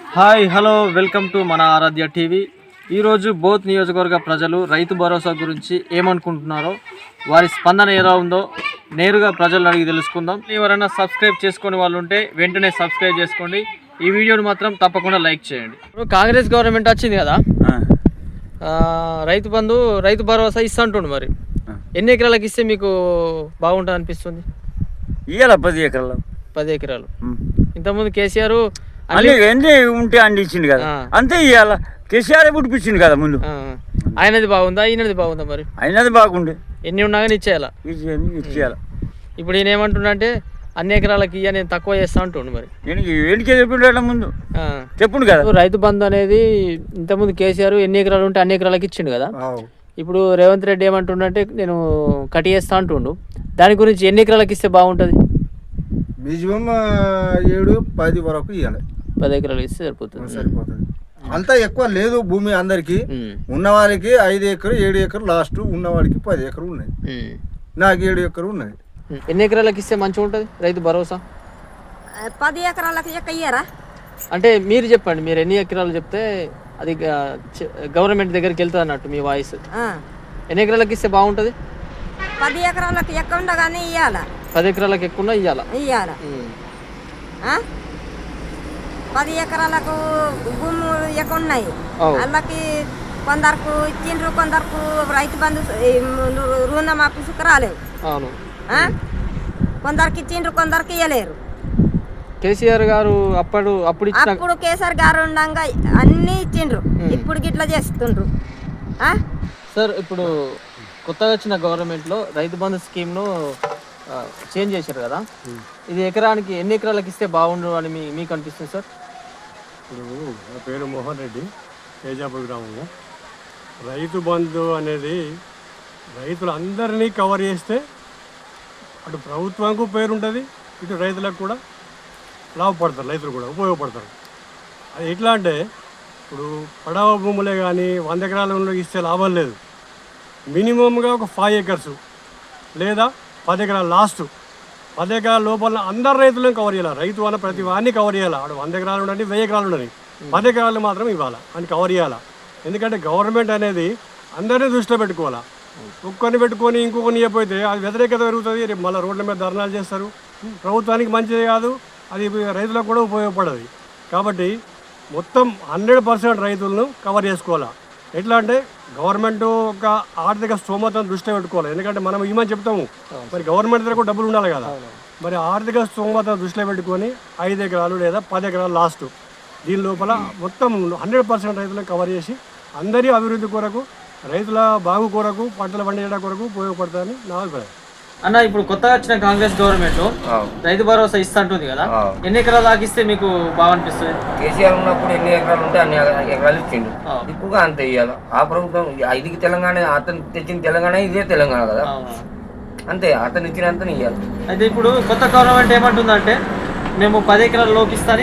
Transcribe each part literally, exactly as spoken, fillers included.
Hi hello welcome to మన ఆరాధ్య TV. ఈరోజు both నియోజకవర్గ ప్రజలు రైతు భరోసా గురించి ఏమనుకుంటున్నారో, వారి స్పందన ఎలా ఉందో నేరుగా ప్రజలను అడిగి తెలుసుకుందాం. ఎవరైనా సబ్స్క్రైబ్ చేసుకునే వాళ్ళు ఉంటే వెంటనే సబ్స్క్రైబ్ చేసుకోండి. ఈ వీడియోని మాత్రం తప్పకుండా లైక్ చేయండి. ఇప్పుడు కాంగ్రెస్ గవర్నమెంట్ వచ్చింది కదా, రైతు బంధు రైతు భరోసా ఇస్తా అంటుండు. మరి ఎన్ని ఎకరాలకు ఇస్తే మీకు బాగుంటుంది అనిపిస్తుంది? ఇయ్యాల పది ఎకరాలు పది ఎకరాలు ఇంతకుముందు కేసీఆర్ ఎన్ని ఉంటే అండి ఇచ్చింది కదా, అంతే ఇయ్యాల. కేసీఆర్ పుట్టిపించింది కదా ముందు. ఆయనది బాగుందా ఈయనది బాగుందా? మరి అయినది బాగుండే, ఎన్ని ఉన్నా కానీ ఇచ్చేయాలా ఇచ్చేయాల. ఇప్పుడు ఈయన ఏమంటున్నా అంటే అన్ని ఎకరాలకి ఇయ్య నేను తక్కువ చేస్తా అంటుండు. మరి నేను ఏంటికే చెప్పిండు ముందు చెప్పుడు కదా. రైతు బంధు అనేది ఇంతకుముందు కేసీఆర్ ఎన్ని ఎకరాలు ఉంటే అన్ని ఎకరాలకి ఇచ్చిండు కదా. ఇప్పుడు రేవంత్ రెడ్డి ఏమంటుండంటే నేను కట్ చేస్తా అంటుండు. దాని గురించి ఎన్ని ఎకరాలకి ఇస్తే బాగుంటుంది? మినిమం ఏడు పది వరకు ఇవ్వాలి. పది ఎకరాలు ఇస్తే సరిపోతుంది. సరిపోతుంది. అంతా ఎక్కువ లేదు భూమి అందరికి. ఉన్న వాళ్ళకి ఐదు ఎకరు ఏడు ఎకరు లాస్ట్, ఉన్న వాళ్ళకి పది ఎకరు ఉన్నాయి. నాకు ఏడు ఎకరు ఉన్నది. ఎన్ని ఎకరాలకి ఇస్తే మంచిగా ఉంటుంది రైతు భరోసా? పది ఎకరాలకి ఇయ్యరా అంటే మీరు చెప్పండి, మీరు ఎన్ని ఎకరాలు చెప్తే అది గవర్నమెంట్ దగ్గరికి వెళ్తుంది అన్నట్టు మీ వాయిస్. ఎన్ని ఎకరాలకి ఇస్తే బాగుంటుంది? పది ఎకరాలకు ఎక్కువ ఉండగానే ఇయ్యాల. పది ఎకరాలకు ఎక్కువ ఇయ్యాల ఇయ్యాల పది ఎకరాలకు భూమి ఎక్కువ ఉన్నాయి. వాళ్ళకి కొందరకు ఇచ్చిండ్రు, కొందరకు రైతు బంధు రుణమాఫీ రాలేవు. అవును, కొందరికి ఇచ్చిండ్రు, కొందరికి ఇయ్యలేరు. కేసీఆర్ గారు అప్పుడు అప్పుడు అప్పుడు కేసీఆర్ గారు ఉండగా అన్ని ఇచ్చిండ్రు, ఇప్పుడు గిట్లా చేస్తుండ్రు. సార్ ఇప్పుడు కొత్తగా వచ్చిన గవర్నమెంట్లో రైతు బంధు స్కీమ్ను చేంజ్ చేశారు కదా, ఇది ఎకరానికి ఎన్ని ఎకరాలకు ఇస్తే బాగుండు అని మీ మీకు అనిపిస్తుంది సార్? ఇప్పుడు నా పేరు మోహన్ రెడ్డి, తేజాపూర్ గ్రామము. రైతు బంధు అనేది రైతులందరినీ కవర్ చేస్తే అటు ప్రభుత్వానికి పేరు ఉంటుంది, ఇటు రైతులకు కూడా లాభపడతారు, రైతులు కూడా ఉపయోగపడతారు. అది ఎట్లా అంటే ఇప్పుడు పడవ భూములే కానీ వంద ఎకరాల ఇస్తే లాభం లేదు. మినిమంగా ఒక ఫైవ్ ఎకర్స్ లేదా పది ఎకరాల లాస్ట్ పది ఎకరాల లోపల అందరు రైతులను కవర్ చేయాలి. రైతు అన్న ప్రతి వాడిని కవర్ చేయాలి. అక్కడ వంద ఎకరాలు ఉండండి, వెయ్యి ఎకరాలు ఉండని, పది ఎకరాలు మాత్రం ఇవ్వాలి అని కవర్ చేయాలి. ఎందుకంటే గవర్నమెంట్ అనేది అందరినీ దృష్టిలో పెట్టుకోవాలి. ఒక్కరిని పెట్టుకొని ఇంకొకరిని ఇవ్వకపోతే అది వ్యతిరేకత పెరుగుతుంది. రేపు మళ్ళీ రోడ్ల మీద ధర్నాలు చేస్తారు. ప్రభుత్వానికి మంచిది కాదు, అది రైతులకు కూడా ఉపయోగపడదు. కాబట్టి మొత్తం హండ్రెడ్ పర్సెంట్ రైతులను కవర్ చేసుకోవాలి. ఎట్లా అంటే గవర్నమెంట్ ఒక ఆర్థిక స్తోమతను దృష్టిలో పెట్టుకోవాలి. ఎందుకంటే మనం ఇమని చెప్తాము, మరి గవర్నమెంట్ దగ్గర కూడా డబ్బులు ఉండాలి కదా. మరి ఆర్థిక స్తోమతను దృష్టిలో పెట్టుకొని ఐదు ఎకరాలు లేదా పది ఎకరాలు లాస్ట్ దీని లోపల మొత్తం హండ్రెడ్ పర్సెంట్ రైతులను కవర్ చేసి అందరి అభివృద్ధి కొరకు, రైతుల బాగు కొరకు, పంటలు పండించడం కొరకు ఉపయోగపడతాయని నా అభిప్రాయం. అన్న ఇప్పుడు కొత్తగా వచ్చిన కాంగ్రెస్ గవర్నమెంట్ రైతు భరోసా ఇస్తా అంటుంది కదా, ఎన్ని ఎకరాలు దాకిస్తే మీకు బాగా అనిపిస్తుంది? కేసీఆర్ ఉన్నప్పుడు ఎన్ని ఎకరాలు ఉంటే అన్ని ఎకరాలు ఇచ్చిండు, ఇప్పుడు అంతే ఇవ్వాలి. ఆ ప్రభుత్వం ఐదుకి తెలంగాణ, అతను తెచ్చిన తెలంగాణ ఇదే తెలంగాణ కదా, అంతే అతను ఇచ్చినంత ఇవ్వాలి. అయితే ఇప్పుడు కొత్త గవర్నమెంట్ ఏమంటుందంటే మేము పది ఎకరాలు లోపిస్తాని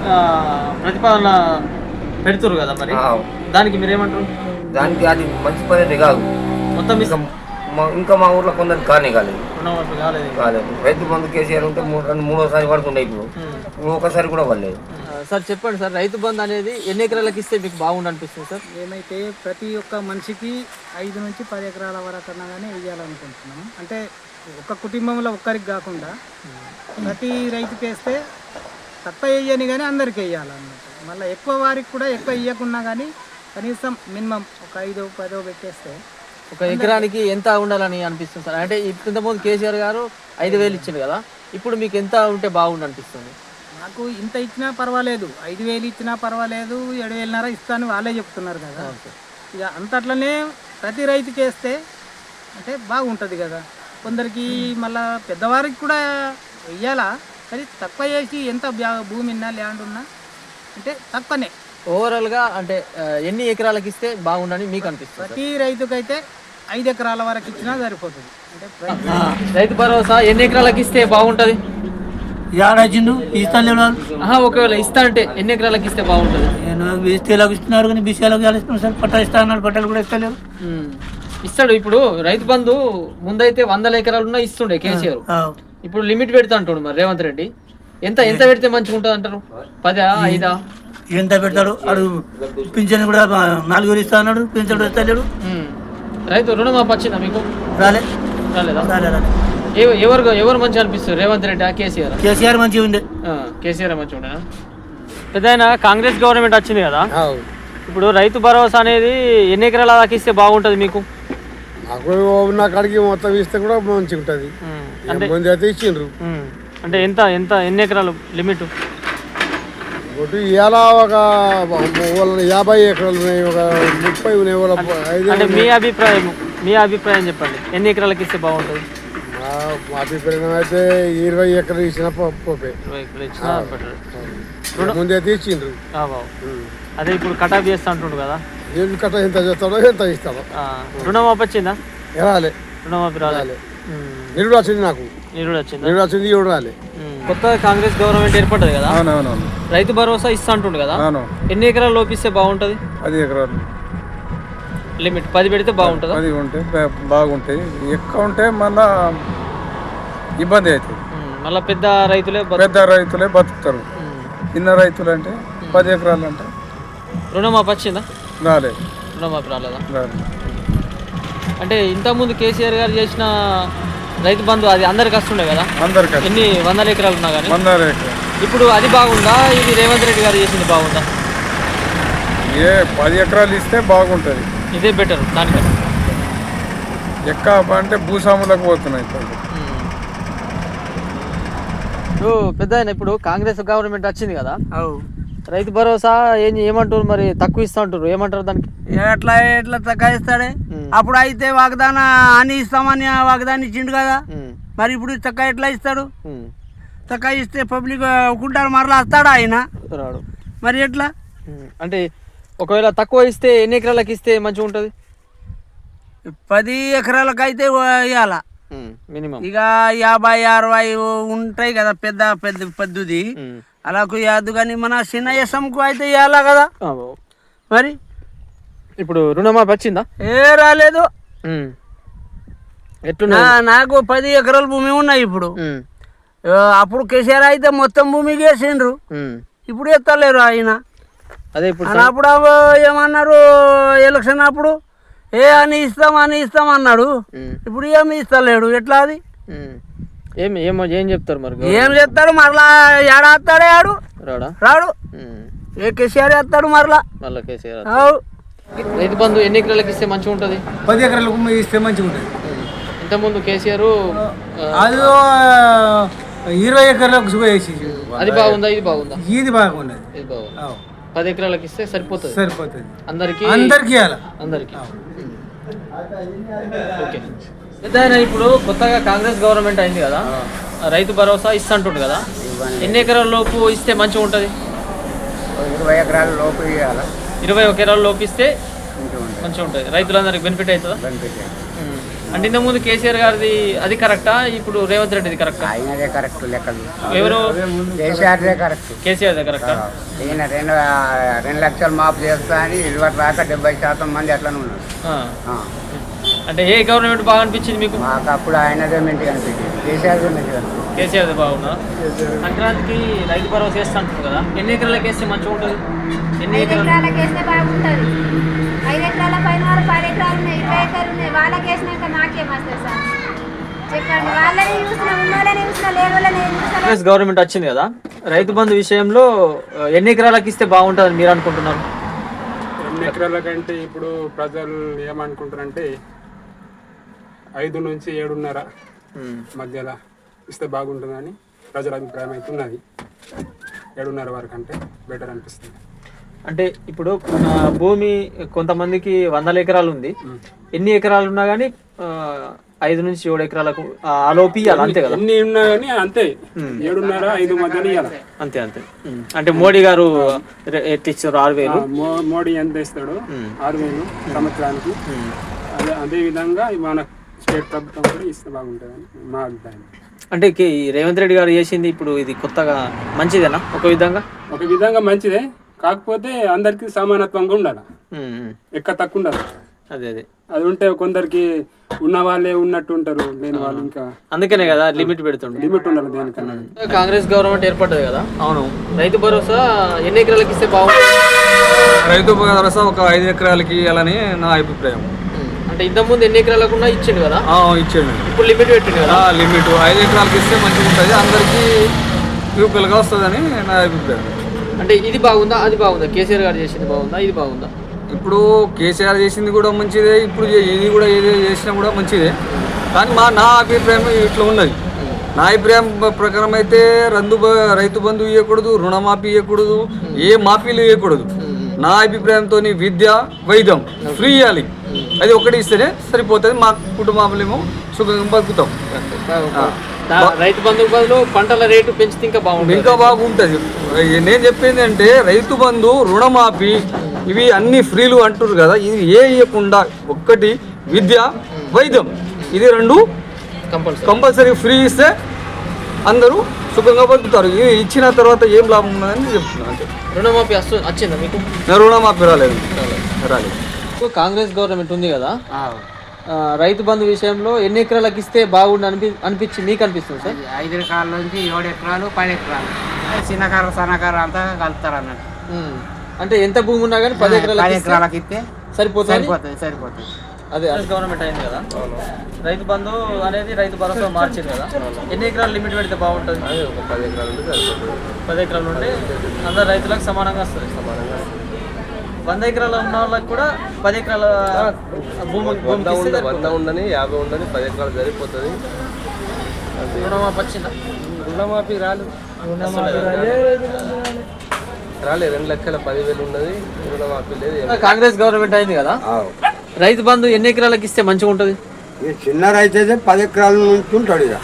ప్రతిపాదన పెడుతున్నారు కదా, మరి దానికి మీరు ఏమంటారు? దానికి అది మంచి పద్ధతి కాదు. మొత్తం ఇంకా మా ఊర్లో కొందరు కానీ కాలేదు కాలేదు రైతు బంధు కేసీఆర్ ఉంటే మూడోసారి పడుతుండే, ఇప్పుడు ఒకసారి కూడా పడలేదు. సార్ చెప్పండి సార్, రైతు బంధు అనేది ఎన్ని ఎకరాలకు ఇస్తే మీకు బాగుండు అనిపిస్తుంది సార్? ఏమైతే ప్రతి ఒక్క మనిషికి ఐదు నుంచి పది ఎకరాల వరకు అన్నా కానీ వేయాలనుకుంటున్నాము. అంటే ఒక కుటుంబంలో ఒక్కరికి కాకుండా ప్రతి రైతుకి వేస్తే తక్కువ వేయని కానీ అందరికి వేయాలన్నమాట. మళ్ళీ ఎక్కువ వారికి కూడా ఎక్కువ ఇవ్వకున్నా కానీ కనీసం మినిమం ఒక ఐదో పదో పెట్టేస్తే ఒక ఎకరానికి ఎంత ఉండాలని అనిపిస్తుంది సార్? అంటే ఇంతకుముందు కేసీఆర్ గారు ఐదు వేలు ఇచ్చింది కదా, ఇప్పుడు మీకు ఎంత ఉంటే బాగుండు అనిపిస్తుంది? నాకు ఇంత ఇచ్చినా పర్వాలేదు, ఐదు వేలు ఇచ్చినా పర్వాలేదు, ఏడు వేలున్నర ఇస్తాను వాళ్ళే చెప్తున్నారు కదా. ఇక అంతట్లనే ప్రతి రైతుకి వేస్తే అంటే బాగుంటుంది కదా. కొందరికి మళ్ళా పెద్దవారికి కూడా వెయ్యాలా, కానీ తక్కువ చేసి ఎంత భూమి ఉన్నా ల్యాండ్ ఉన్నా అంటే తక్కువనే. ఓవరాల్గా అంటే ఎన్ని ఎకరాలకు ఇస్తే బాగుండని మీకు అనిపిస్తుంది? ప్రతి రైతుకైతే ఐదు ఎకరాల వరకు ఇచ్చినా సరిపోతుంది. అంటే రైతు భరోసా ఎన్ని ఎకరాలకు ఇస్తే బాగుంటుంది? ఏడాచిండు ఇస్తాను. ఒకవేళ ఇస్తా అంటే ఎన్ని ఎకరాలకు ఇస్తే బాగుంటుంది? నేను బీసీలకు ఇస్తున్నారు కానీ బీసీలకు ఇస్తున్నాను సార్. పట్టాలు ఇస్తా అన్నాడు, పట్టాలు కూడా ఇస్తలేరు. ఇస్తాడు. ఇప్పుడు రైతు బంధు ముందైతే వందల ఎకరాలు ఉన్నా ఇస్తుండే కేసీఆర్, ఇప్పుడు లిమిట్ పెడతా అంటాడు మరి రేవంత్ రెడ్డి. ఎంత ఎంత పెడితే మంచిగా ఉంటుంది అంటారు? పదా ఐదా? ఎంత పెడతాడు అడు పింఛన్ కూడా నాలుగు వేలు ఇస్తా అన్నాడు, పింఛన్ కూడా ఇస్తలేడు. ఉమ్. రైతు రుణమాఫీ వచ్చిందా మీకు? రాలే రాలేదా? రాలే రాలే ఎవ- ఎవరు ఎవరు మంచి అనిపిస్తారు, రేవంత్ రెడ్డి కేసీఆర్? కేసీఆర్ మంచిగా ఉంది. కేసీఆర్ మంచిగా ఉండేనా? పెద్ద కాంగ్రెస్ గవర్నమెంట్ వచ్చింది కదా, ఇప్పుడు రైతు భరోసా అనేది ఎన్ని ఎకరాల దాకా ఇస్తే బాగుంటుంది మీకు? నా కాడికి మొత్తం ఇస్తే కూడా మంచిగా ఉంటుంది. ఉమ్. అంటే ముందు అయితే ఇచ్చిండ్రు. ఉమ్. అంటే ఎంత ఎంత ఎన్ని ఎకరాలు లిమిట్? ఒకటి ఇలా ఒక యాభై ఎకరాలు ఉన్నాయి, ఒక ముప్పై ఉన్నాయి, ఒక ఐదు. అంటే మీ అభిప్రాయం మీ అభిప్రాయం చెప్పండి, ఎన్ని ఎకరాలకి ఇస్తే బాగుంటుంది? మా అభిప్రాయం అయితే ఇరవై ఎకరాలు ఇచ్చిన పోపే. ఇరవై ఎకరాలు ఇచ్చినా better. ముందు అయితే ఇచ్చిండ్రు. ఆ బావు. అదే ఇప్పుడు కటాఫ్ చేస్తా అంటుండు కదా, ఏం కట్ట ఎంత చేస్తాడో ఎంత ఇస్తాడో. ఆ, రుణమాఫీ వచ్చిందా? రాలే, రుణమాఫీ రాలే. నిరుడు వచ్చింది, నాకు నిరుడు వచ్చిందా? నిరుడు వచ్చింది, ఎవడు రాలే. కొత్త కాంగ్రెస్ గవర్నమెంట్ ఏర్పడ్డది కదా, అవునవునవును రైతు భరోసా ఇస్తా అంటుండు కదా, అవును. ఎన్ని ఎకరాలు లోపిస్తే బాగుంటుంది? పది ఎకరాలు లిమిట్ పది పెడితే బాగుంటుందా? పది ఉంటే బా- బాగుంటాయి. ఎక్కువ ఉంటే మళ్ళా ఇబ్బంది అవుతుంది. ఉమ్, మళ్ళా పెద్ద రైతులే బతు- పెద్ద రైతులే బతుకుతారు. ఉమ్. చిన్న రైతులు అంటే పది ఎకరాలు అంటే రుణమాఫీ వచ్చిందా? రాలేదు రుణమాఫీ రాలేదా? రాలేదు. అంటే ఇంతకుముందు కేసీఆర్ గారు చేసిన రైతు బంధు అది అందరికి వస్తుండే కదా, అందరికీ ఎన్ని వందల ఎకరాలు ఉన్నా కానీ. వందల ఎకరాలు. ఇప్పుడు అది బాగుందా, ఇది రేవంత్ రెడ్డి గారు చేసింది బాగుందా? ఏ పది ఎకరాలు ఇస్తే బాగుంటుంది. ఇదే బెటర్ దానికన్నా. ఎక్కువ అంటే భూస్వాములకు పోతున్నాయి ఇప్పుడు. ఇప్పుడు పెద్ద ఆయన ఇప్పుడు కాంగ్రెస్ గవర్నమెంట్ వచ్చింది కదా, రైతు భరోసా ఏం ఏమంటారు మరి, తక్కువ ఇస్తా అంటారు, ఏమంటారు దానికి? ఎట్లా ఎట్లా తగ్గిస్తాడే? అప్పుడు అయితే వాగ్దాన అని ఇస్తామని వాగ్దానం ఇచ్చిండు కదా, మరి ఇప్పుడు తక్కువ ఎట్లా ఇస్తాడు? తక్కువ ఇస్తే పబ్లిక్ ఒక్కుంటారు, మరలా వస్తాడా ఆయన? రాడు. మరి ఎట్లా? అంటే ఒకవేళ తక్కువ ఇస్తే ఎన్ని ఎకరాలకు ఇస్తే మంచిగా ఉంటుంది? పది ఎకరాలకు అయితే ఇవ్వాల మినిమం. ఇక యాభై అరవై ఉంటాయి కదా పెద్ద పెద్ద పెద్దది, అలాకు ఇవ్వద్దు. కానీ మన చిన్న ఎస్ఎంకు అయితే ఇవ్వాలా కదా. మరి ఇప్పుడు రుణమాఫీ వచ్చిందా? ఏ రాలేదు. ఎట్లున్నా నాకు పది ఎకరాల భూమి ఉన్నాయి ఇప్పుడు. అప్పుడు కేసీఆర్ అయితే మొత్తం భూమి వేసిండ్రు, ఇప్పుడు ఎత్తలేరు ఆయన. అదే ఇప్పుడు అప్పుడు ఏమన్నారు ఎలక్షన్ అప్పుడు, ఏ అని ఇస్తాం అని ఇస్తాం అన్నాడు, ఇప్పుడు ఏమి ఇస్తలేడు. ఎట్లా అది? ఏం ఏమో ఏం చెప్తారు మరి? ఏం చెప్తాడు? మరలా ఏడా వస్తాడే ఆడు? రాడా? రాడు. ఏ కేసీఆర్ వేస్తాడు మరలా. మళ్ళీ కేసీఆర్. రైతు బంధు ఎన్ని ఎకరాలకు ఇస్తే మంచిగా ఉంటుంది? పది ఎకరాలకు ఇస్తే మంచిగా ఉంటుంది. ఇంతకుముందు కేసీఆర్ అది ఇరవై ఎకరాలకు వేసి అది బాగుందా, ఇది బాగుందా? ఇది బాగున్నది. ఇది బాగుంది. పది ఎకరాలకు ఇస్తే సరిపోతుంది, సరిపోతుంది అందరికి అందరికి అందరికి. ఓకే. పెద్ద ఇప్పుడు కొత్తగా కాంగ్రెస్ గవర్నమెంట్ అయింది కదా, రైతు భరోసా ఇస్తుంటుంది కదా, ఎన్ని ఎకరాల లోపు ఇస్తే మంచిగా ఉంటుంది? ఇరవై ఎకరాల లోపు ఇవ్వాలి. ఇరవై ఒక ఎకరాల లోపు ఇస్తే మంచిగా ఉంటుంది, రైతులందరికి బెనిఫిట్ అవుతుందా? ఉమ్. అంటే ఇంతకుముందు కేసీఆర్ గారిది అది కరెక్టా, ఇప్పుడు రేవంత్ రెడ్డిది కరెక్టా? ఆయనదే కరెక్ట్ లెక్కలు. ఎవరు? కేసీఆర్దే కరెక్ట్. కేసీఆర్దే కరెక్టా? ఈయన రెండు రెండు లక్షలు మాఫ్ చేస్తా అని ఇరవై రాక డెబ్బై శాతం మంది అట్లనే ఉన్నారు. ఆ. అంటే ఏ గవర్నమెంట్ బాగా అనిపించింది మీకు? మాకు అప్పుడు ఆయనదే మంచిగా అనిపించింది, కేసీఆర్దే మంచిగా అనిపించింది. కేసీఆర్దే బాగుందా? సంక్రాంతికి రైతు భరోసా వేస్తా అంటారు కదా, ఎన్ని ఎకరాలకు వేస్తే మంచిగా ఉంటుంది? ఎన్ని ఎకరాలు? ఎకరాలకు వేస్తే బాగుంటుంది. ఐదు ఎకరాల పైన వారు పది ఎకరాలు ఉన్నాయి, ఇరవై ఎకరాలు ఉన్నాయి, వాళ్ళకి వేసినాక నాకేం వస్తుంది సార్ చెప్పండి? వాళ్ళని చూసిన ఉన్నోళ్ళని చూసిన లేని వాళ్ళని చూసిన. కాంగ్రెస్ గవర్నమెంట్ వచ్చింది కదా, రైతు బంధు విషయంలో ఎన్ని ఎకరాలకు ఇస్తే బాగుంటుందని మీరు అనుకుంటున్నారు? ఎన్ని ఎకరాల కంటే ఇప్పుడు ప్రజలు ఏమనుకుంటారంటే ఐదు నుంచి ఏడున్నర మధ్యలో ఇస్తే బాగుంటుందని ప్రజల అభిప్రాయం అయితే ఉన్నది. ఏడున్నర వరకు అంటే బెటర్ అనిపిస్తుంది. అంటే ఇప్పుడు ఆ, భూమి కొంతమందికి వందల ఎకరాలు ఉంది, ఎన్ని ఎకరాలు ఉన్నా కానీ ఐదు నుంచి ఏడు ఎకరాలకు ఆలోపి ఇవ్వాలి, అంతే కదా? ఎన్ని ఉన్నా కానీ అంతే, ఏడున్నర ఐదు మధ్యలో ఇవ్వాలి, అంతే అంతే. అంటే మోడీ గారు ఎట్లా ఇచ్చారు? ఆరు వేలు. మోడీ ఎంత ఇస్తాడు? ఆరు వేలు సంవత్సరానికి. అదే అదే విధంగా మన స్టేట్ ప్రభుత్వం కూడా ఇస్తే బాగుంటుందని మా అభిప్రాయం. అంటే ఈ రేవంత్ రెడ్డి గారు చేసింది ఇప్పుడు ఇది కొత్తగా మంచిదేనా? ఒక విధంగా ఒక విధంగా మంచిదే, కాకపోతే అందరికి సమానత్వంగా ఉండాలి, ఎక్క తక్కువ ఉండాలి. అదే అదే అది ఉంటే కొందరికి ఉన్న వాళ్ళే ఉన్నట్టు ఉంటారు, లేని వాళ్ళు ఇంకా అందుకనే కదా లిమిట్ పెడుతుండే. లిమిట్ ఉండాలి దేనికన్నా. కాంగ్రెస్ గవర్నమెంట్ ఏర్పడ్డది కదా, అవును, రైతు భరోసా ఎన్ని ఎకరాలకి ఇస్తే బాగుంటుంది? రైతు భరోసా ఒక ఐదు ఎకరాలకి ఇవ్వాలని నా అభిప్రాయం. అంటే ఇంతకుముందు ఎన్ని ఎకరాలకున్నా ఇచ్చిండు కదా? ఇచ్చాడు. ఇప్పుడు లిమిట్ పెట్టిండు కదా? లిమిట్ ఐదు ఎకరాలకి ఇస్తే మంచిగా ఉంటుంది, అందరికీ యూపీఎల్గా వస్తుందని నా అభిప్రాయం. అంటే ఇది బాగుందా అది బాగుందా? కేసీఆర్ గారు చేసింది బాగుందా ఇది బాగుందా? ఇప్పుడు కేసీఆర్ చేసింది కూడా మంచిదే, ఇప్పుడు ఇది కూడా ఏది చేసినా కూడా మంచిదే. కానీ మా నా అభిప్రాయం ఇట్లా ఉన్నది. నా అభిప్రాయం ప్రకారం అయితే రందు రైతు బంధు ఇవ్వకూడదు, రుణమాఫీ ఇవ్వకూడదు, ఏ మాఫీలు ఇవ్వకూడదు. నా అభిప్రాయంతో విద్య వైద్యం ఫ్రీ ఇవ్వాలి, అది ఒకటి ఇస్తేనే సరిపోతుంది. మా కుటుంబాలేమో సుఖంగా బతుకుతాం. రైతు బంధు బదులు పంటల రేటు పెంచితే ఇంకా బాగుంటుంది. ఇంకా బాగుంటుంది. నేను చెప్పింది అంటే రైతు బంధు రుణమాఫీ ఇవి అన్ని ఫ్రీలు అంటున్నారు కదా, ఇది ఏ ఇవ్వకుండా ఒక్కటి విద్య వైద్యం ఇది రెండు కంపల్సరీ ఫ్రీ ఇస్తే అందరూ సుఖంగా బతుకుతారు. ఇవి ఇచ్చిన తర్వాత ఏం లాభం ఉన్నదని చెప్తున్నాను. అంటే రుణమాఫీ వస్తు వచ్చిందా మీకు? రుణమాఫీ రాలేదు రాలేదు కాంగ్రెస్ గవర్నమెంట్ ఉంది కదా, రైతు బంధు విషయంలో ఎన్ని ఎకరాలకు ఇస్తే బాగుండు అనిపి అనిపించి మీకు అనిపిస్తుంది సార్? ఐదు ఎకరాల నుంచి ఏడు ఎకరాలు పది ఎకరాలు చిన్నకారు సన్నకారు అంతా కలుపుతారు అన్నట్టు. అంటే ఎంత భూమి ఉన్నా కానీ పది ఎకరాలకు ఎకరాలకు ఇస్తే సరిపోతుంది సరిపోతుంది సరిపోతుంది అదే గవర్నమెంట్ అయింది కదా, రైతు బంధు అనేది రైతు భరోసా మార్చింది కదా, ఎన్ని ఎకరాలు లిమిట్ పెడితే బాగుంటుంది? పది ఎకరాలు ఉంటే సరిపోతుంది. పది ఎకరాలు ఉంటే అందరు రైతులకు సమానంగా వస్తుంది. సమానంగా వంద ఎకరాలు ఉన్న వాళ్ళకి కూడా పది ఎకరాల భూమి వంద ఉండ వంద ఉండని యాభై ఉండని పది ఎకరాలు సరిపోతుంది. రుణమాఫీ వచ్చిందా? రుణమాఫీ రాలేదు రాలేదు రెండు లక్షల పదివేలు ఉన్నది, రుణమాఫీ లేదు. కాంగ్రెస్ గవర్నమెంట్ అయింది కదా, రైతు బంధు ఎన్ని ఎకరాలకు ఇస్తే మంచిగా ఉంటుంది? చిన్న రైతు అయితే పది ఎకరాల నుంచి ఉంటాడు ఇక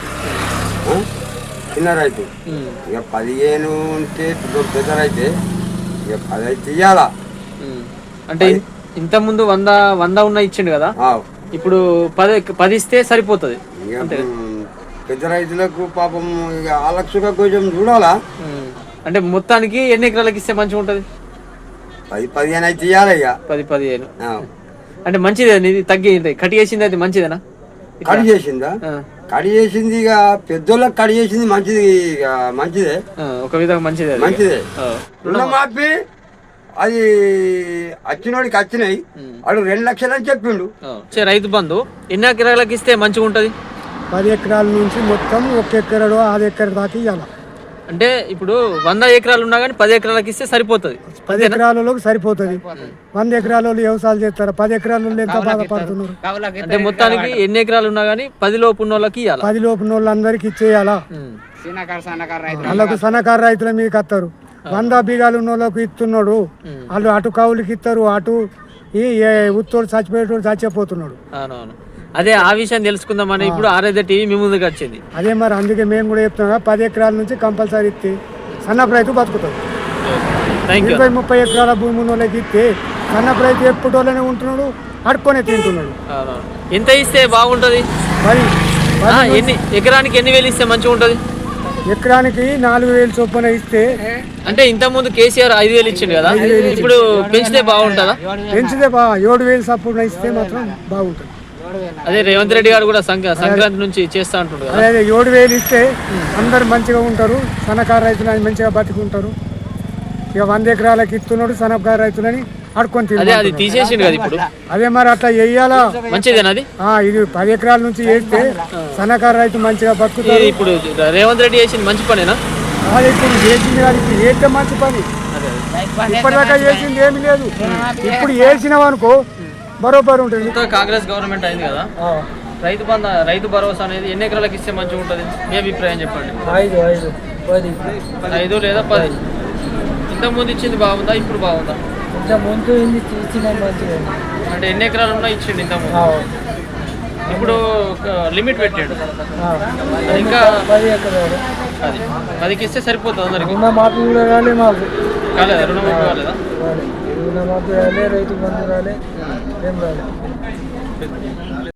చిన్న రైతు. ఇక పదిహేను ఉంటే పెద్ద రైతే ఇక పది అయితే ఇయ్యాలా. అంటే ఇంత ముందు వంద వంద ఉన్న ఇచ్చిండు కదా, ఇప్పుడు పది పది ఇస్తే సరిపోతుంది. పెద్ద రైతులకు పాపం ఇక ఆ లక్షగా కొంచెం చూడాలా. అంటే మొత్తానికి ఎన్ని ఎకరాలకు ఇస్తే మంచిగా ఉంటుంది? పది పదిహేను అయితే ఇయ్యాలి ఇక. పది పదిహేను అంటే మంచిదే. ఇది తగ్గి కట్ చేసింది అది మంచిదేనా? కడి చేసిందా? కడి చేసింది ఇక పెద్దోళ్ళకి కడి చేసింది మంచిది, ఇక మంచిదే, ఒక విధంగా మంచిదే మంచిదే. రుణమాఫీ అది వచ్చినోడికి వచ్చినాయి, వాడు రెండు లక్షలు అని చెప్పిండు. రైతు బంధు ఎన్ని ఎకరాలకు ఇస్తే మంచిగా ఉంటుంది? పది ఎకరాల నుంచి మొత్తం ఒక ఎకరాలు ఆరు ఎకరాల దాకా ఇవ్వాలి. అంటే ఇప్పుడు వంద ఎకరాలు ఉన్నా కానీ పది ఎకరాలకు ఇస్తే సరిపోతుంది. పది ఎకరాలలోకి సరిపోతుంది. వంద ఎకరాల వ్యవసాయాలు చేస్తారు, పది ఎకరాల ఎంత బాధపడుతున్నారు. అంటే మొత్తానికి ఎన్ని ఎకరాలు ఉన్నా కానీ పది లోపు ఉన్న వాళ్ళకి ఇవ్వాలి, పది లోపు ఉన్న వాళ్ళందరికీ ఇచ్చేయాలా. వాళ్ళకు సన్నకారు రైతుల మీకు వస్తారు. వంద బీగాలు ఉన్న వాళ్ళకు ఇస్తున్నాడు, వాళ్ళు అటు కౌలుకి ఇస్తారు, అటు ఈ ఉత్తోడు చచ్చిపోయేటోడు చచ్చిపోతున్నాడు. అవునవును, అదే ఆ విషయం తెలుసుకుందామని ఇప్పుడు ఆర్ఐ టీవీ మీ ముందుకు వచ్చింది. అదే మరి అందుకే మేము కూడా చెప్తున్నాం, పది ఎకరాల నుంచి కంపల్సరీ ఇస్తే సన్నపు రైతు బతుకుతాడు. ఇరవై ముప్పై ఎకరాల భూమి ఉన్న వాళ్ళకి ఇస్తే సన్నపు రైతు ఎప్పుడోనే ఉంటున్నాడు, అడుక్కొనే తింటున్నాడు. ఎంత ఇస్తే బాగుంటుంది? మరి ఎన్ని ఎకరానికి ఎన్ని వేలు ఇస్తే మంచిగా ఉంటుంది? ఎకరానికి నాలుగు వేలు చొప్పున ఇస్తే. అంటే ఇంత ముందు కేసీఆర్ ఐదు వేలు ఇచ్చిండు కదా, ఇప్పుడు పెంచితే బాగుంటుందా? పెంచితే బా ఏడు వేలు చొప్పున ఇస్తే మాత్రం బాగుంటుంది. అదే రేవంత్ రెడ్డి గారు కూడా సంక్రాంతి నుంచి చేస్తా అంటారు కదా, అదే ఏడు వేలు ఇస్తే అందరు మంచిగా ఉంటారు, సన్నకారు రైతులని మంచిగా బతుకుంటారు. ఇక వంద ఎకరాలకి ఇస్తున్నాడు సన్నకారు రైతులని అడుకొని తింటారు. అది తీసేసిండు కదా ఇప్పుడు. అదే మరి అట్లా వెయ్యాలా, మంచిదేనా అది? ఇది పది ఎకరాల నుంచి వేస్తే సన్నకారు రైతు మంచిగా బతుకుతారు. ఇప్పుడు రేవంత్ రెడ్డి చేసింది మంచి పనేనా? అది ఇప్పుడు వేసింది అది వేస్తే మంచి పని. ఇప్పటిదాకా చేసింది ఏమి లేదు, ఇప్పుడు వేసినాం అనుకో బరోబర్ ఉంటుంది. కాంగ్రెస్ గవర్నమెంట్ అయింది కదా, రైతు బంధ రైతు భరోసా అనేది ఎన్ని ఎకరాలకు ఇస్తే మంచిగా ఉంటుంది? మీ అభిప్రాయం చెప్పండి. ఐదు ఐదు పది ఐదు లేదా పది. ఇంత ముందు ఇచ్చింది బాగుందా ఇప్పుడు బాగుందా? ఇంత ముందు ఇచ్చిన మంచిగా. అంటే ఎన్ని ఎకరాలు ఉన్నా ఇచ్చిండు ఇంత ముందు, ఇప్పుడు లిమిట్ పెట్టాడు. ఇంకా పది ఎకరాలు అది పదికి ఇస్తే సరిపోతుంది అందరికి. రుణమాఫీ కూడా రాలే మాకు. కాలేదా? రుణమాఫీ కాలేదా? రుణమాఫీ రాలే, రైతు బంధు రాలే, ఏం రాలే.